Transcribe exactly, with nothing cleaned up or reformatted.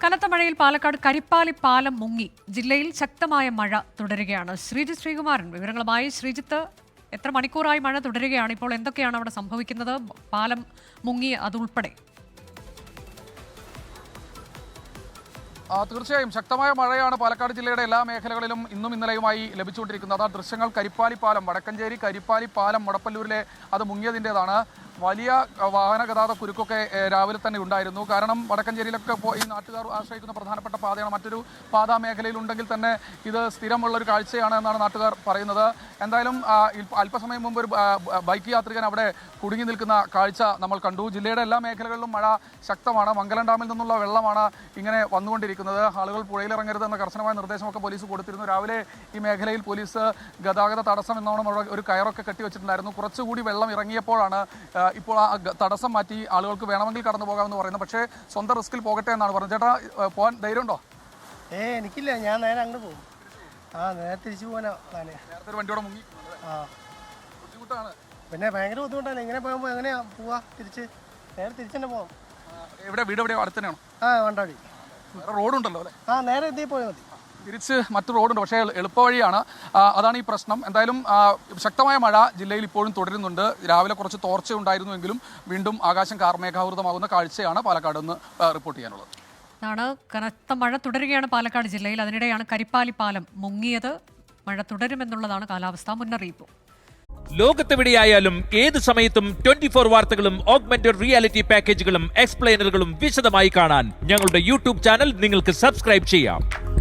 കനത്ത മഴയിൽ പാലക്കാട് കരിപ്പാലി പാലം മുങ്ങി. ജില്ലയിൽ ശക്തമായ മഴ തുടരുകയാണ്. ശ്രീജിത്ത് ശ്രീകുമാരൻ വിവരങ്ങളുമായി. ശ്രീജിത്ത്, എത്ര മണിക്കൂറായി മഴ തുടരുകയാണ്? ഇപ്പോൾ എന്തൊക്കെയാണ് അവിടെ സംഭവിക്കുന്നത്? പാലം മുങ്ങി അതുൾപ്പെടെ. തീർച്ചയായും ശക്തമായ മഴയാണ് പാലക്കാട് ജില്ലയുടെ എല്ലാ മേഖലകളിലും ഇന്നും ഇന്നലെയുമായി ലഭിച്ചുകൊണ്ടിരിക്കുന്നത്. കരിപ്പാലി പാലം, വടക്കഞ്ചേരി കരിപ്പാലി പാലം മുടപ്പല്ലൂരിലെ അത് മുങ്ങിയതിൻ്റെതാണ്. വലിയ വാഹന ഗതാഗത കുരുക്കൊക്കെ രാവിലെ തന്നെ ഉണ്ടായിരുന്നു. കാരണം വടക്കഞ്ചേരിയിലൊക്കെ ഈ നാട്ടുകാർ ആശ്രയിക്കുന്ന പ്രധാനപ്പെട്ട പാതയാണ്. മറ്റൊരു പാതാ മേഖലയിലുണ്ടെങ്കിൽ തന്നെ ഇത് സ്ഥിരമുള്ളൊരു കാഴ്ചയാണ് എന്നാണ് നാട്ടുകാർ പറയുന്നത്. എന്തായാലും അല്പസമയം മുമ്പ് ഒരു ബൈക്ക് യാത്രികൻ അവിടെ കുടുങ്ങി നിൽക്കുന്ന കാഴ്ച നമ്മൾ കണ്ടു. ജില്ലയുടെ എല്ലാ മേഖലകളിലും മഴ ശക്തമാണ്. മംഗലം ഡാമിൽ നിന്നുള്ള വെള്ളമാണ് ഇങ്ങനെ വന്നുകൊണ്ടിരിക്കുന്നത്. ആളുകൾ പുഴയിലിറങ്ങരുത് എന്ന കർശനമായ നിർദ്ദേശമൊക്കെ പോലീസ് കൊടുത്തിരുന്നു. രാവിലെ ഈ മേഖലയിൽ പോലീസ് ഗതാഗത തടസ്സം എന്നോണം ഒരു കയറൊക്കെ കെട്ടിവെച്ചിട്ടുണ്ടായിരുന്നു. കുറച്ചുകൂടി വെള്ളം ഇറങ്ങിയപ്പോഴാണ് ഇപ്പോൾ ആ തടസ്സം മാറ്റി ആളുകൾക്ക് വേണമെങ്കിൽ കടന്നു പോകാമെന്ന് പറയുന്നത്. പക്ഷേ സ്വന്തം റിസ്കിൽ പോകട്ടെ എന്നാണ് പറഞ്ഞത്. ചേട്ടാ, പോകാൻ ധൈര്യമുണ്ടോ? ഏ എനിക്കില്ല, ഞാൻ നേരെ അങ്ങോട്ട് പോകും. ആ നേരെ തിരിച്ചു പോകാനാ. നേരത്തെ ഒരു വണ്ടിയോടെ മുങ്ങി. ആ ബുദ്ധിമുട്ടാണ്. പിന്നെ ഭയങ്കര ബുദ്ധിമുട്ടാണ്. ഇങ്ങനെ പോകുമ്പോൾ എങ്ങനെയാ പോവാ? തിരിച്ച് നേരെ തിരിച്ചു തന്നെ പോകാം. എവിടെ വീട്? എവിടെയോ അടുത്ത് തന്നെയാണോ? ആ വണ്ടാടി. വേറെ റോഡുണ്ടല്ലോ അല്ലേ? ആ നേരെ എത്തി പോയാൽ മതി. തിരിച്ച് മറ്റു റോഡുണ്ട്, പക്ഷേ എളുപ്പവഴിയാണ്. അതാണ് ഈ പ്രശ്നം. എന്തായാലും ശക്തമായ മഴ ജില്ലയിൽ ഇപ്പോഴും തുടരുന്നുണ്ട്. രാവിലെ കുറച്ച് തോർച്ച ഉണ്ടായിരുന്നുവെങ്കിലും വീണ്ടും ആകാശം കാർമേഘാവൃതമാകുന്ന കാഴ്ചയാണ് പാലക്കാട് നിന്ന് റിപ്പോർട്ട് ചെയ്യാനുള്ളത്. ാണ് കനത്ത മഴ തുടരുകയാണ് പാലക്കാട് ജില്ലയിൽ. അതിനിടെയാണ് കരിപ്പാലി പാലം മുങ്ങിയത്. മഴ തുടരുമെന്നുള്ളതാണ് കാലാവസ്ഥാ മുന്നറിയിപ്പ്. ലോകത്തെവിടെയായാലും ഏത് സമയത്തും ട്വന്റി ഫോർ വാർത്തകളും ഓഗ്മെന്റഡ് റിയാലിറ്റി പാക്കേജുകളും എക്സ്പ്ലെയിനറുകളും വിശദമായി കാണാൻ ഞങ്ങളുടെ യൂട്യൂബ് ചാനൽ നിങ്ങൾക്ക് സബ്സ്ക്രൈബ് ചെയ്യാം.